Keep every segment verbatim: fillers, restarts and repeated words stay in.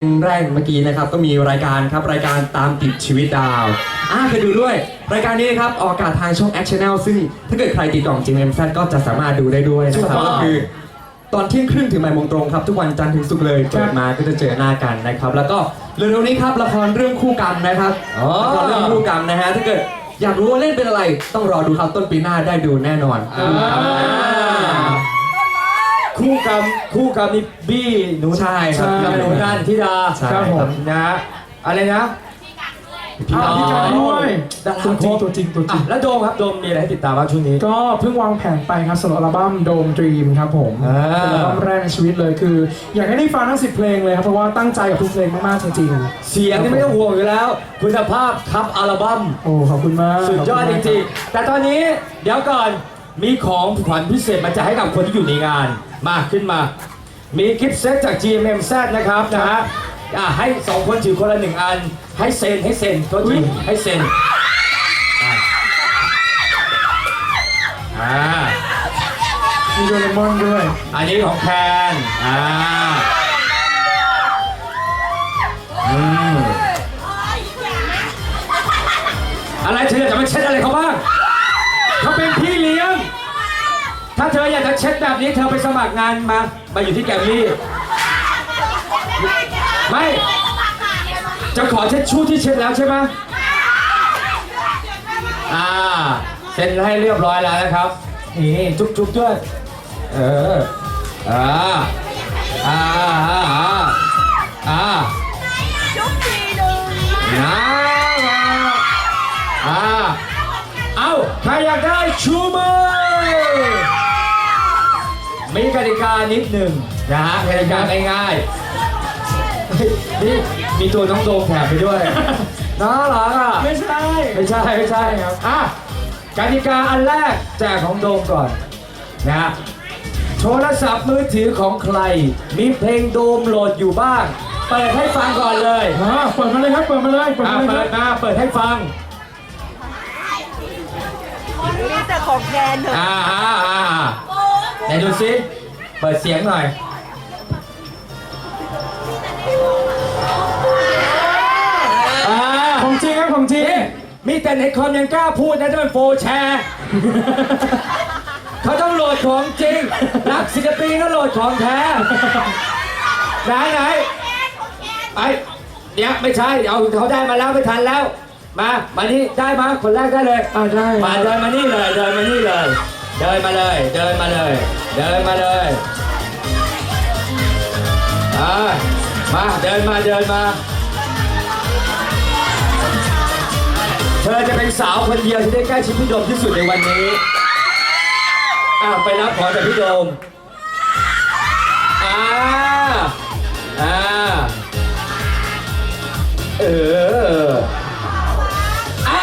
แรกเมื่อกี้นะครับก็มีรายการครับรายการตามติดชีวิตดาวอ่าเคยดูด้วยรายการนี้นะครับออกอากาศทางช่อง Action Channel ซึ่งถ้าเกิดใครติดต่อ จี เอ็ม แซด ก็จะสามารถดูได้ด้วยนะครับก็คือตอนเที่ยงครึ่งถึงบ่ายโมงตรงครับทุกวันจันทร์ถึงศุกร์เลยเปิดมาก็จะเจอหน้ากันนะครับแล้วก็เร็วๆนี้ครับละครเรื่องคู่กรรมนะครับละครเรื่องคู่กรรมนะฮะถ้าเกิดอยากรู้ว่าเล่นเป็นอะไรต้องรอดูครับต้นปีหน้าได้ดูแน่นอนคู่กรรมคู่กรรมนี่บี้หนูใช่ครับกับหนูนันทิดาใช่ครับผมนะฮะอะไรนะพี่การพี่การด้วยดาราตัวจริงตัวจริงตัวจริงอ่ะแล้วโดมครับโดมมีอะไรให้ติดตามบ้างช่วงนี้ก็เพิ่งวางแผนไปครับสำหรับอัลบั้มโดมดรีมครับผมอ่าเป็นอัลบั้มแรกในชีวิตเลยคือ อยากให้ได้ฟังทั้งสิบเพลงเลยครับเพราะว่าตั้งใจกับทุกเพลงมากๆจริงๆเสียงนี่ไม่ต้องห่วงอยู่แล้ว คุณภาพครับอัลบั้มโอ้ขอบคุณมากสุดยอดจริงๆแต่ตอนนี้เดี๋ยวก่อนมีของขวัญพิเศษมาจะให้กับคนที่อยู่ในงานมาขึ้นมา มีกิฟต์เซตจาก จี เอ็ม เอ็ม แซด นะครับนะฮะอ่ะให้สองคนถือคนละหนึ่งอันให้เซ็นให้เซ็นก็ถือให้เซ็นอ่ะอ่ามีโดเรมอนด้วยอันนี้ของแคนอ่าอืมอะไรเธออยากจะมาเช็ดอะไรเขาบ้างเขาเป็นพี่เลี้ยงถ้าเธออยากจะเช็ดแบบนี้เธอไปสมัครงานมามาอยู่ที่แกรมมี่ไม่จะขอเช็ดชู่ที่เช็ดแล้วใช่ไหมอ่าเซ็นให้เรียบร้อยแล้วนะครับนี่จุ๊บจุ๊บด้วยเอออ่าอ่าอ่าอ่าอ่านะอ่าเอ้าใครอยากได้ชูมือมีกติกานิดหนึ่งนะฮะกติกาง่ายๆนี่มีตัวน้องโดมแถมไปด้วยน่ารักอ่ะไม่ใช่ไม่ใช่ไม่ใช่ครับอ่ะกติกาอันแรกแจกของโดมก่อนนะฮะโทรศัพท์มือถือของใครมีเพลงโดมโหลดอยู่บ้างเปิดให้ฟังก่อนเลยอ่าเปิดมาเลยครับเปิดมาเลยเปิดอ่ะมาเลยเปิคดรับมาเปิดให้ฟังนี่แต่ของแกนเถอะอ่าอ่าอ่าไหนดูซิเปิดเสียงหน่อยอ่าของจริงครับของจริงนี่มีแต่ในคอมยังกล้าพูดนะจะเป็นโฟร์แชร์ เขาต้องโหลดของจริง นักศิลปินก็โหลดของแท้ ไหนไหนไปเดี๋ยวไม่ใช่เอาเขาได้มาแล้วไม่ทันแล้ว มา มานี่ได้มาคนแรกได้เลยอ่าได้มาเดินมานี่เลย เดินมานี่เลย เดินมาเลย เดินมาเลย เดินมาเลยอ่ามาเดินมาเดินมา เธอจะเป็นสาวคนเดียวที่ได้ใกล้ชิดพี่โดมที่สุดในวันนี้อ้าวไปรับของจากพี่โดมอ่าอ่าเออเอา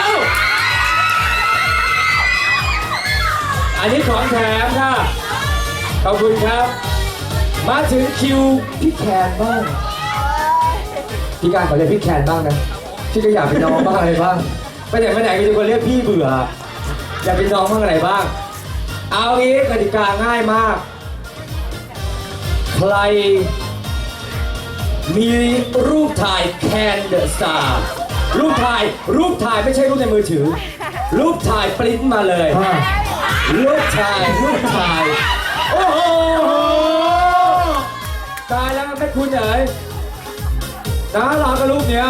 อันนี้ของแถมค่ะ ขอบคุณครับ มาถึงคิวพี่แคนบ้าง พี่การขอเรียกพี่แคนบ้างนะพี่ก็อยากเป็นน้องบ้างอะไรบ้างไปไหนไปไหนก็จะคนเรียกพี่เบื่อ อยากเป็นน้องบ้างอะไรบ้าง เอางี้กติกาง่ายมาก ใคร มีรูปถ่ายแคนเดอะสตาร์รูปถ่ายรูปถ่ายไม่ใช่รูปในมือถือ รูปถ่ายปริ้นมาเลยอ่ารูปถ่ายรูปถ่าย โอ้โหตายแล้วไม่คุณเอ๋ยนะรอกับรูปเนี้ย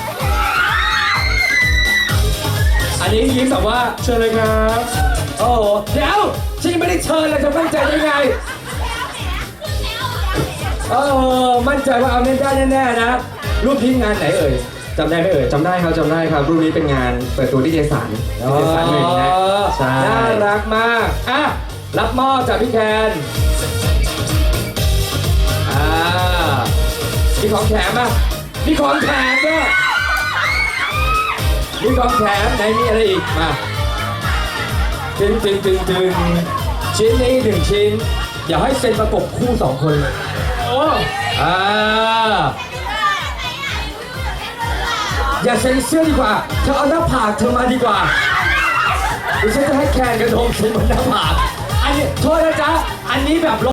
อันนี้ยิ้มแบบว่าเชิญเลยครับโอ้โหเดี๋ยวฉันยังไม่ได้เชิญเลยจะมั่นใจได้ไงโอ้โหมั่นใจว่าเอาเล่นได้แน่ๆนะรูปที่งานไหนเอ่ยจำได้ไหมเอ่ยจำได้ครับจำได้ครับรูปนี้เป็นงานเปิดตัวนิตยสารนิตยสารหนึ่งนะใช่น่ารักมากอ่ะรับมอบจากพี่แคนอ่ามีของแถมอ่ะมีของแถมด้วยมีของแถมไหนมีอะไรอีกมาตึงตึงตึงตึงชิ้นนี้หนึ่งชิ้นเดี๋ยวให้เซ็นประกบคู่สองคนเลยโอ้อ่าอย่าเซ็นเสื้อดีกว่าเธอเอาหน้าผากเธอมาดีกว่าดิฉันจะให้แคนกระโดมเซ็นบนหน้าผากอันนี้โทษนะจ๊ะอันนี้แบบ